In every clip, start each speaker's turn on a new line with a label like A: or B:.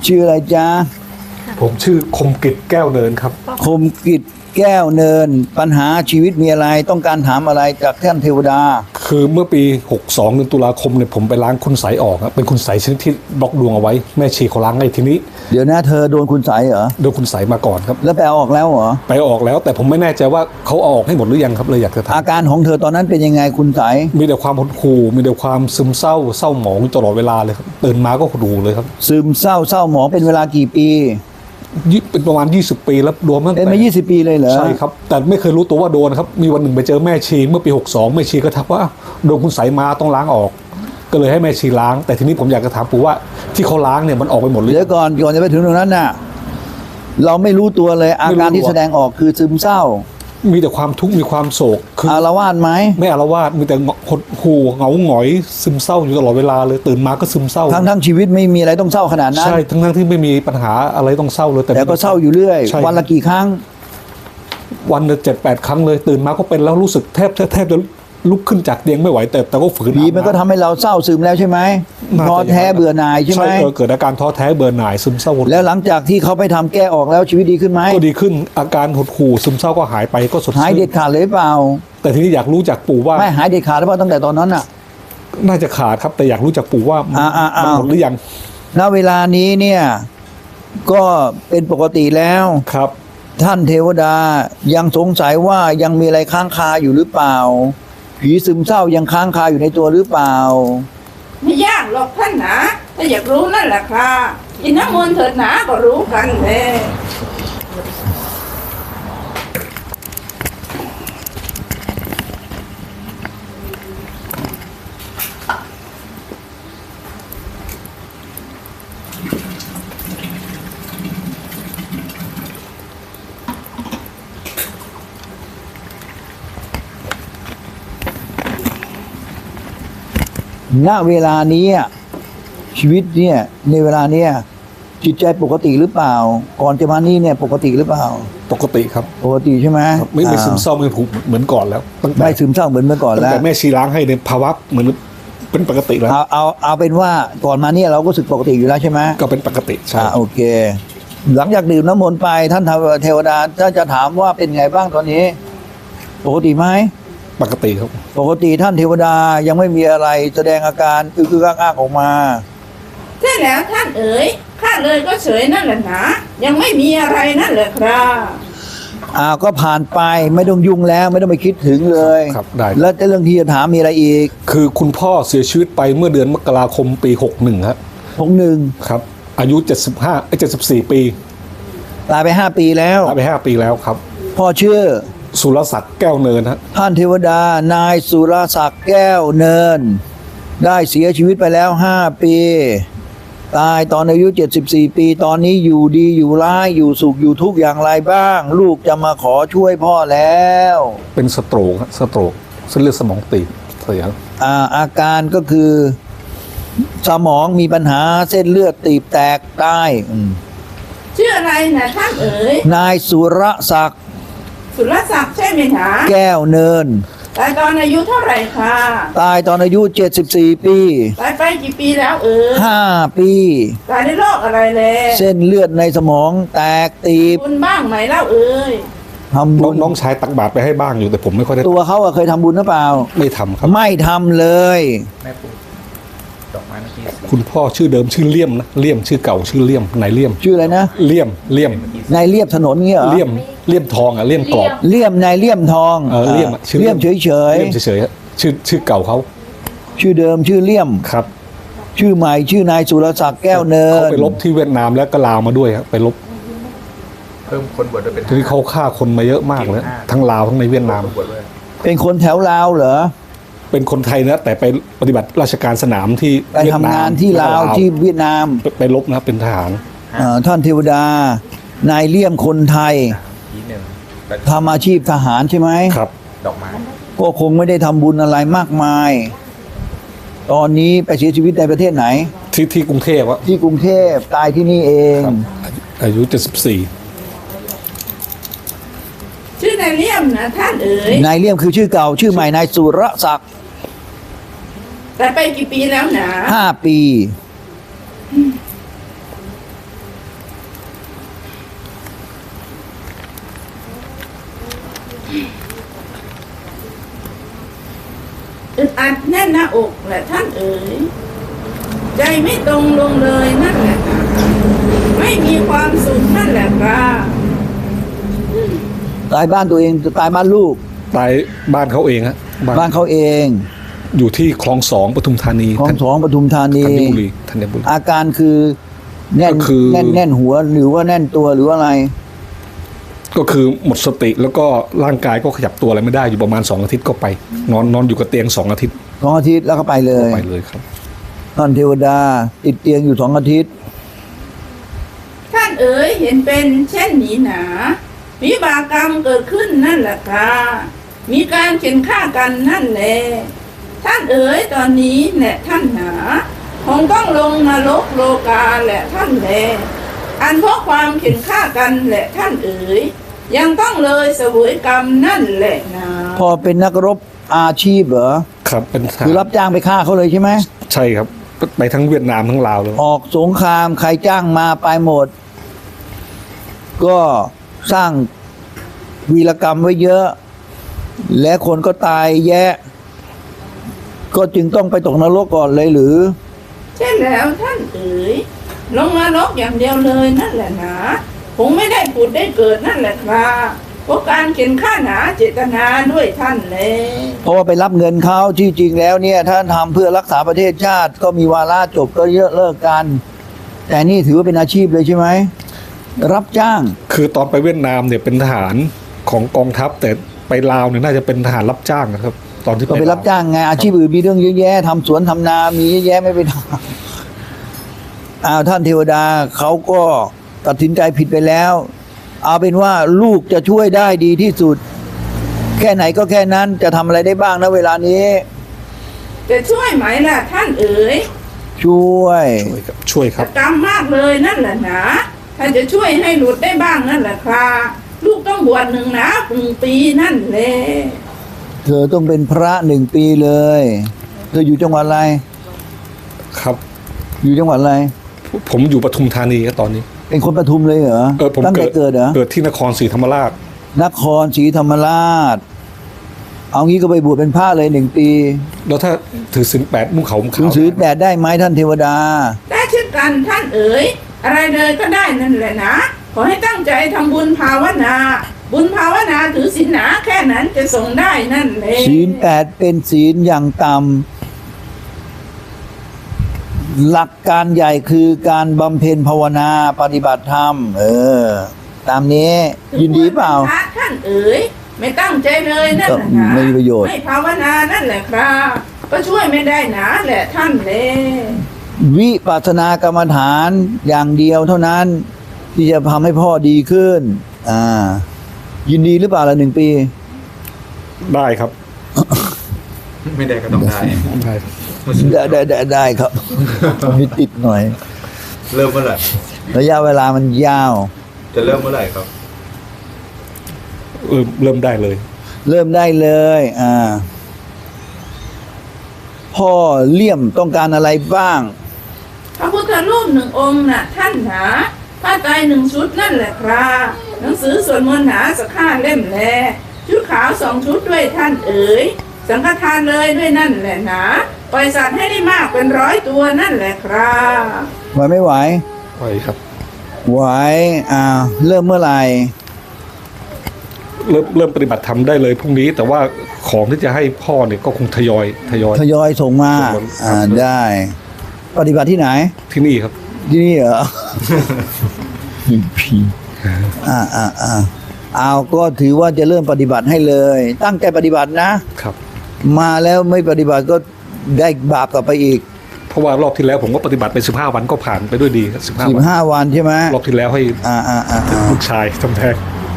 A: ชื่ออะไรจ๊ะ
B: ผมชื่อคมกิจแก้วเนินครับ
A: คมกิจแก้วเนินปัญหาชีวิตมีอะไรต้องการถามอะไรจากท่านเทวดา
B: คือเมื่อปี 62 เดือนตุลาคมเนี่ยผมไปล้างคุณไสยออกครับเป็นคุณไสยชนิดที่บล็อกดวงเอาไว้แม่ชีเขาล้างให้ทีนี้
A: เดี๋ยวนะเธอโดนคุณใสเหรอ
B: โดนคุณไสยมาก่อนครับ
A: แล้วไปเอาออกแล้วเหรอ
B: ไปออกแล้วแต่ผมไม่แน่ใจว่าเขาเอาออกให้หมดหรือยังครับเลยอยากจะถาม
A: อาการของเธอตอนนั้นเป็นยังไงคุณใส
B: มีแต่ความหดหู่มีแต่ความซึมเศร้าหมองตลอดเวลาเลยครับตื่นมาก็หดหู่เลยครับ
A: ซึมเศร้าหมองเป็นเวลากี่ปี
B: เป็นประมาณ20 ปีแล้วรวมตั้งแต่
A: เป็นมา20 ปีเลยเหรอ
B: ใช่ครับแต่ไม่เคยรู้ตัวว่าโดนครับมีวันหนึ่งไปเจอแม่ชีเมื่อปี 62แม่ชีก็ทักว่าโดนคุณไสยมาต้องล้างออกก็เลยให้แม่ชีล้างแต่ทีนี้ผมอยากจะถามปู่ว่าที่เขาล้างเนี่ยมันออกไปหมดเลย
A: เดี๋ยวก่อนจะไปถึงตรงนั้นน่ะเราไม่รู้ตัวเลยอาการที่แสดงออกคือซึมเศร้า
B: มีแต่ความทุกข์มีความโศก
A: คืออาละวาดไหม
B: ไม่อาละวาดมีแต่หดหู่เหงาหงอยซึมเศร้าอยู่ตลอดเวลาเลยตื่นมาก็ซึมเศร้า
A: ทั้งชีวิตไม่มีอะไรต้องเศร้าขนาดนั้น
B: ใช่ทั้งที่ไม่มีปัญหาอะไรต้องเศร้าเลย
A: แต่ก็เศร้าอยู่เรื่อยวันละกี่ครั้ง
B: วันละ7-8 ครั้งเลยตื่นมาก็เป็นแล้วรู้สึกแทบจะลุกขึ้นจากเตียงไม่ไหวแต่ก็ฝืน
A: ผีมันก็ทำให้เราเศร้าซึมแล้วใช่ไหมท้อแท้เบื่อหน่ายใช่ไหม
B: เกิดอาการท้อแท้เบื่อหน่ายซึมเศร้า
A: แล้วหลังจากที่เขาไปทำแก้ออกแล้วชีวิตดีขึ้นไหม
B: ก็ดีขึ้นอาการหดหู่ซึมเศร้าก็หายไปก็สดชื่น
A: หายเด็ดขาดเลยเปล่า
B: แต่ทีนี้อยากรู้จากปู่ว่า
A: ไม่หายเด็ดขาดหรือเปล่าตั้งแต่ตอนนั้นน่ะ
B: น่าจะขาดครับแต่อยากรู้จากปู่ว่ามันหมดหรือยัง
A: ณเวลานี้เนี่ยก็เป็นปกติแล้ว
B: ครับ
A: ท่านเทวดายังสงสัยว่ายังมีอะไรค้างคาอยู่หรือเปล่าผีซึมเศร้ายังค้างคาอยู่ในตัวหรือเปล่า
C: ไม่ยากหรอกท่านนะถ้าอยากรู้นั่นแหละค่ะกินน้ำมนต์เถิดนะก็รู้กันเลย
A: ณเวลานี้ชีวิตเนี่ยในเวลาเนี้ยจิตใจปกติหรือเปล่าก่อนจะมานี่เนี่ยปกติหรือเปล่า
B: ปกติครับ
A: ปกติใช่ไหม
B: ไม่ซึมเศร้าไม่ผูกเหมือนก่อนแล้ว
A: ไม่ซึมเศร้าเหมือนเมื่อก่อนแล้ว
B: แต่แม่ชีล้างให้ในภาวะเหมือนเป็นปกติแล้ว
A: เอาเป็นว่าก่อนมาเนี่ยเราก็รู้สึกปกติอยู่แล้วใช่ไหม
B: ก็เป็นปกติใช่
A: โอเคหลังจากดื่มน้ำมนต์ไปท่านเทวดาถ้าจะถามว่าเป็นไงบ้างตอนนี้ปกติไหม
B: ปกติครับ
A: ปกติท่านเทวดายังไม่มีอะไรแสดงอาการคืออ้างออกมา
C: ใช่แล้วท่านเอ๋ยข้าเลยก็เฉยนั่นแหละนะยังไม่มีอะไรนั่นแหละครับ
A: ก็ผ่านไปไม่ต้องยุ่งแล้วไม่ต้องไปคิดถึงเลย
B: ครับได้
A: แล้วเรื่องที่จะถามมีอะไรอีก
B: คือคุณพ่อเสียชีวิตไปเมื่อเดือนมกราคมปี61ครับ
A: 61
B: ครับอายุ74 ปี
A: ตายไป5 ปีแล้ว
B: ตายไป5 ปีแล้วครับ
A: พ่อชื่อ
B: สุรศักดิ์แก้วเนินฮะ
A: ท่านเทวดานายสุรศักดิ์แก้วเนินได้เสียชีวิตไปแล้ว5 ปีตายตอนอายุ74 ปีตอนนี้อยู่ดีอยู่ร้ายอยู่สุขอยู่ทุกข์อย่างไรบ้างลูกจะมาขอช่วยพ่อแล้ว
B: เป็นสโตรกเส้นเลือดสมองตีบเสีย
A: อาการก็คือสมองมีปัญหาเส้นเลือดตีบแตกตาย
C: ชื่ออะไรนะท่านเอ๋ย
A: นายสุรศักดิ์
C: ใช่ไหมคะ
A: แก้วเนิน
C: ตายตอนอายุเท่าไหร่คะ
A: ตายตอนอายุ74 ปี
C: ตายไปกี่ปีแล้ว
A: 5 ปี
C: ตายในโรคอะไรเลย
A: เส้นเลือดในสมองแตกตีบ
C: บุญบ้างไหมเล่าเอ๋ย
A: ทำบุญ
B: น้องชายตักบาตรไปให้บ้างอยู่แต่ผมไม่ค่อยได้
A: ตัวเขาเคยทำบุญหรือเปล่า
B: ไม่ทำครับ
A: ไม่ทำเลย
B: คุณพ่อชื่อเดิมชื่อเลี่ยมนะเลี่ยมชื่อเก่าชื่อเลี่ยมนายเลี่ยม
A: ชื่ออะไรนะ
B: เลี่ยม
A: นายเลี่ยมถนนเงี้ยเหรอ
B: เลี่ยมทองเลี่ยมกรอบ
A: เลี่ยมนายเลี่ยมทอง
B: เลี่ยม
A: เลี่ยมเฉย
B: ชื่อเก่าเขา
A: ชื่อเดิมชื่อเลี่ยม
B: ครับ
A: ชื่อใหม่ชื่อนายสุรศักดิ์แก้วเนิน
B: เขาไปลบที่เวียดนามแล้วก็ลาวมาด้วยครับไปลบ
D: เพิ่มคนบวชด้วยเป็น
B: ทีนี้เขาฆ่าคนมาเยอะมากเลยทั้งลาวทั้งในเวียดนาม
A: เป็นคนแถวลาวเหรอ
B: เป็นคนไทยนะแต่ไปปฏิบัติราชการสนามที่
A: ไปทำงานที่ลาวที่เวียดนาม
B: ไปลบนะเป็นทหาร
A: ท่านเทวดานายเลี่ยมคนไทยทำอาชีพทหารใช่ไหม
B: ครับ
D: ดอกไม้
A: ก็คงไม่ได้ทำบุญอะไรมากมายตอนนี้ไปเสียชีวิตในประเทศไหน
B: ที่กรุงเทพวะ
A: ที่กรุงเทพตายที่นี่เอง
B: อายุ74
C: ชื่อนายเลี่ยมนะท่านเอ๋ย
A: นายเลี่ยมคือชื่อเก่าชื่อใหม่นายสุรศักดิ์
C: แต่ไปกี่ปีแล้วนะ
A: 5 ปี
C: อึดอัดแน่นหน้าอกแหละท่านเอ๋ยใจไม่ตรงลงเลยนั่นแหละค่ะไม่มีความสุขนั่นแหละค่ะ
A: ตายบ้านตัวเองตายบ้านลูก
B: ตายบ้านเขาเองฮะ
A: บ้านเขาเอง
B: อยู่ที่คลอง2ปทุมธานี
A: ของสองปทุมธานี
B: ธัญบุรี
A: อาการคือแน่น
B: ก็คือ
A: แน่นหัวหรือว่าแน่นตัวหรือว่าอะไร
B: ก็คือหมดสติแล้วก็ร่างกายก็ขยับตัวอะไรไม่ได้อยู่ประมาณ2 อาทิตย์ก็ไป นอนอยู่กับเตียง2 อาทิตย์
A: 2 อาทิตย์แล้วก็ไปเลย
B: ก็ไปเลยครับ
A: ท่านเทวดาติดเตียงอยู่2 อาทิตย์
C: ท่านเอ๋ยเห็นเป็นเช่นนี้หนาวิบากกรรมเกิดขึ้นนั่นแหละค่ะมีการเข็นฆ่ากันนั่นแหละท่านเอ๋ยตอนนี้แหละท่านหนาคงต้องลงนรกโลกาแหละท่านแลอันเพราะความเข็นฆ่ากันแหละท่านเอ๋ยยังต้องเลยเสวยกรรมนั่นแหละนะ
A: พอเป็นนักรบอาชีพเหรอ
B: ครับเป็นทหาร
A: คือรับจ้างไปฆ่าเขาเลยใช่ไหม
B: ใช่ครับไปทั้งเวียดนามทั้งลาวเลย
A: ออกสงครามใครจ้างมาไปหมด ก็สร้างวีรกรรมไว้เยอะ และคนก็ตายแยะ ก็จึงต้องไปตกนรกก่อนเลยหรือ
C: ใช่แล้วท่านเอ๋ยลงนรกอย่างเดียวเลยนั่นแหละนะคงไม่ได้ผุดได้เกิดนั่นแหละครับเพราะการเข็นฆ่าหนาเจตนาด้วยท่านเลย
A: เพราะว่าไปรับเงินเขาที่จริงแล้วเนี่ยถ้าทำเพื่อรักษาประเทศชาติ ก็มีวาระจบก็เยอะเลิกกัน แต่นี่ถือว่าเป็นอาชีพเลยใช่ไหมรับจ้าง
B: คือตอนไปเวียดนามเนี่ยเป็นทหารของกองทัพ แต่ไปลาวเนี่ยน่าจะเป็นทหารรับจ้างนะครับ ตอนที่
A: ก็ไปรับจ้างไงอาชีพอื่นมีเรื่องเยอะแยะทำสวนทำนามีเยอะแยะไม่ไปทำท่านเทวดาเขาก็ตัดสินใจผิดไปแล้ว เอาเป็นว่าลูกจะช่วยได้ดีที่สุด แค่ไหนก็แค่นั้นจะทำอะไรได้บ้างนะเวลานี้
C: จะช่วยไหมล่ะท่านเอ๋ย
A: ช่วย
B: ช่วยครับ
C: กรรมมากเลยนั่นแหละนะถ้าจะช่วยให้หลุดได้บ้างนั่นแหละครับลูกต้องบวช1 ปีนั่นแหละ
A: เธอต้องเป็นพระ1 ปีเลยเธออยู่จังหวัดอะไร
B: ครับ
A: อยู่จังหวัดอะไร
B: ผมอยู่ปทุมธานีครับตอนนี้
A: เป็นคนปทุมเลยเหรอ
B: ผม
A: ตั้งแต่เกิดเหรอ
B: เกิดที่นครศรีธรรมราช
A: นครศรีธรรมราช เอางี้ก็ไปบวชเป็นพระเลย1 ปี
B: แล้วถ้าถือศีล8นุ่งขาวห่ม
A: ถึง
B: ขาว
A: ถือ8ได้ไหมท่านเทวดา
C: ได้เช่นกันท่านเอ๋ยอะไรเลยก็ได้นั่นแหละนะขอให้ตั้งใจทำบุญภาวนา บุญภาวนาถือศีลหนาแค่นั้นจะส่งได้นั่นเลย
A: ศีล8เป็นศีลอย่างต่ำหลักการใหญ่คือการบำเพ็ญภาวนาปฏิบัติธรรม ตามนี้ยินดีเปล่า
C: พระท่านเอ๋ยไม่ตั้งใจเลยนั่นแหละนะ
A: ก็ไม่มีประโยชน์
C: ไม่ภาวนานั่นแหละครับก็ช่วยไม่ได้นะแหละท่านเลย
A: วิปัสสนากรรมฐานอย่างเดียวเท่านั้น ที่จะทำให้พ่อดีขึ้น ยินดีหรือเปล่าละ1 ปี
B: ได้ครับ
D: ไม่ได้ก็ต้องได้
B: ได้ครับ
A: ได้ครับ มีติดหน่อย
D: เริ่มเมื่อไหร่
A: ระยะเวลามันยาว
D: จะเริ่มเมื่อไหร่ครับ
B: เริ่มได้เลย
A: เริ่มได้เลยพ่อเลี่ยมต้องการอะไรบ้าง
C: พระพุทธรูป1 องค์น่ะท่านหนาผ้าไตร1 ชุดนั่นแหละครับหนังสือสวดมนต์หนาสัก5 เล่มแลชุดขาว2 ชุดด้วยท่านเอ๋ยสังฆทานเลยด้วยนั่นแหละนะปล่อยสัตว์ให้ได้มากเป็น100 ตัวนั่นแหละครับ
A: ไหวไม่ไหว
B: ไหวครับ
A: ไหวเริ่มเมื่อไหร่
B: เริ่มปฏิบัติธรรมได้เลยพรุ่งนี้ แต่ว่าของที่จะให้พ่อเนี่ยก็คงทยอย
A: ทยอยส่งมา
B: ส่งมาครับ
A: ได้ ปฏิบัติที่ไหน
B: ที่นี่ครับ
A: ที่นี่เหรอ ผีเอาก็ถือว่าจะเริ่มปฏิบัติให้เลย ตั้งใจปฏิบัตินะ
B: ครับ
A: มาแล้วไม่ปฏิบัติก็ได้บาปกลับไปอีก
B: เพราะว่ารอบที่แล้วผมก็ปฏิบัติไป15 วันก็ผ่านไปด้วยดีครับ15 วัน
A: 15 วันใช่ไหม
B: รอบที่แล้วให้ลูกชายทำแท้ง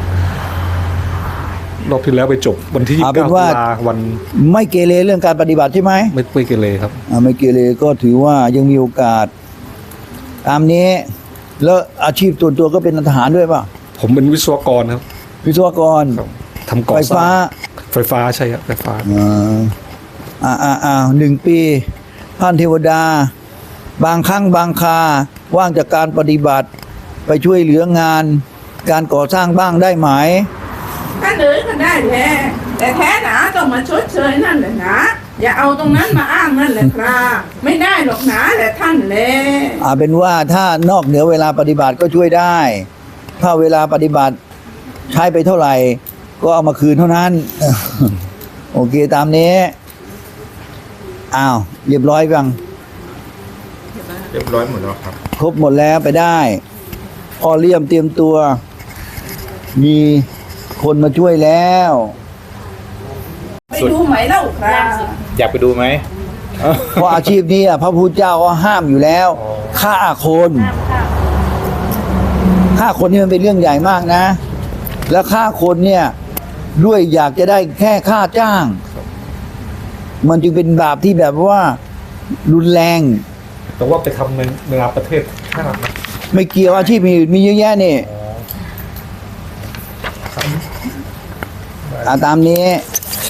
B: รอบที่แล้วไปจบวันที่
A: เอา
B: 29
A: เป็น
B: ตุ
A: ว่า
B: ลาวัน
A: ไม่เกเรเรื่องการปฏิบัติใช่ไหม
B: ไม่เกเรครับ
A: ไม่เกเรก็ถือว่ายังมีโอกาส ตามนี้ แล้วอาชีพส่วนตัวก็เป็นทหารด้วยป่ะ
B: ผมเป็นวิศวกรครับ
A: วิศวกร
B: ทำก่อ
A: ไฟ
B: สร้า
A: ฟ้า
B: งไฟฟ้าใช่ครับไฟฟ้า
A: 1 ปีท่านเทวดา บางครั้งบางคาว่างจากการปฏิบัติ ไปช่วยเหลืองาน การก่อสร้างบ้างได้ไหม
C: ท่านเอ๋ยก็ได้แหละแต่แท้หนาต้องมาชดเชยนั่นแหละนะอย่าเอาตรงนั้นมาอ้างนั่นแหละครับไม่ได้หรอกนะแหละท่านแล
A: เป็นว่าถ้านอกเหนือเวลาปฏิบัติก็ช่วยได้ ถ้าเวลาปฏิบัติใช้ไปเท่าไหร่ ก็เอามาคืนเท่านั้น โอเคตามนี้อ้าวเรียบร้อยยัง
D: เรียบร้อยหมดแล้วครับ
A: ครบหมดแล้วไปได้พ่อเลี่ยมเตรียมตัว มีคนมาช่วยแล้ว
C: ไปดูไหมเล่าครับ
D: อยากไปดูไหม
A: เพราะอาชีพนี้พระพุทธเจ้าก็ห้ามอยู่แล้วฆ่าคนฆ่าคนนี่มันเป็นเรื่องใหญ่มากนะ แล้วฆ่าคนเนี่ยด้วยอยากจะได้แค่ค่าจ้าง มันจึงเป็นบาปที่แบบว่ารุนแรง
B: แต่ว่าไปทำในประเทศชาตินะ
A: ไม่เกี่ยวอาชีพมีเยอะแยะนี่ตามนี้